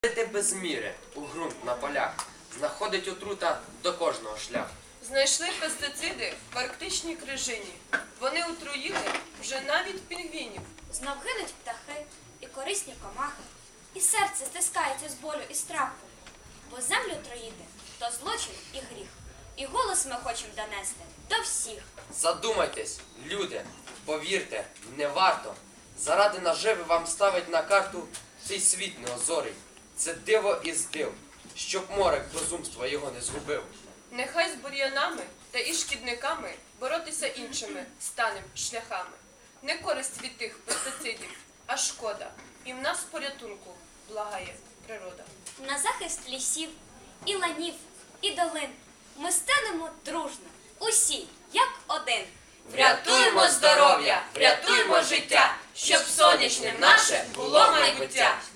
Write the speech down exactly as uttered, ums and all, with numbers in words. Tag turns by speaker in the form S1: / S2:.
S1: Садити без міри у ґрунт на полях, знаходить отрута до кожного шляху.
S2: Знайшли пестициди в арктичній крижині. Вони отруїли вже навіть пінгвінів.
S3: Знов гинуть птахи і корисні комахи, і серце стискається з болю і страху. Бо землю троїти – то злочин і гріх. І голос ми хочемо донести до всіх.
S1: Задумайтесь, люди, повірте, не варто. Заради наживи вам ставить на карту цей світ неозорий. Це диво із див, щоб морок безумства його не згубив.
S2: Нехай з бур'янами та і шкідниками боротися іншими станем шляхами. Не користь від тих пестицидів, а шкода. І в нас порятунку благає природа.
S3: На захист лісів, і ланів, і долин ми станемо дружно, усі, як один.
S2: Врятуймо здоров'я, врятуймо життя, щоб сонячним наше було майбуття.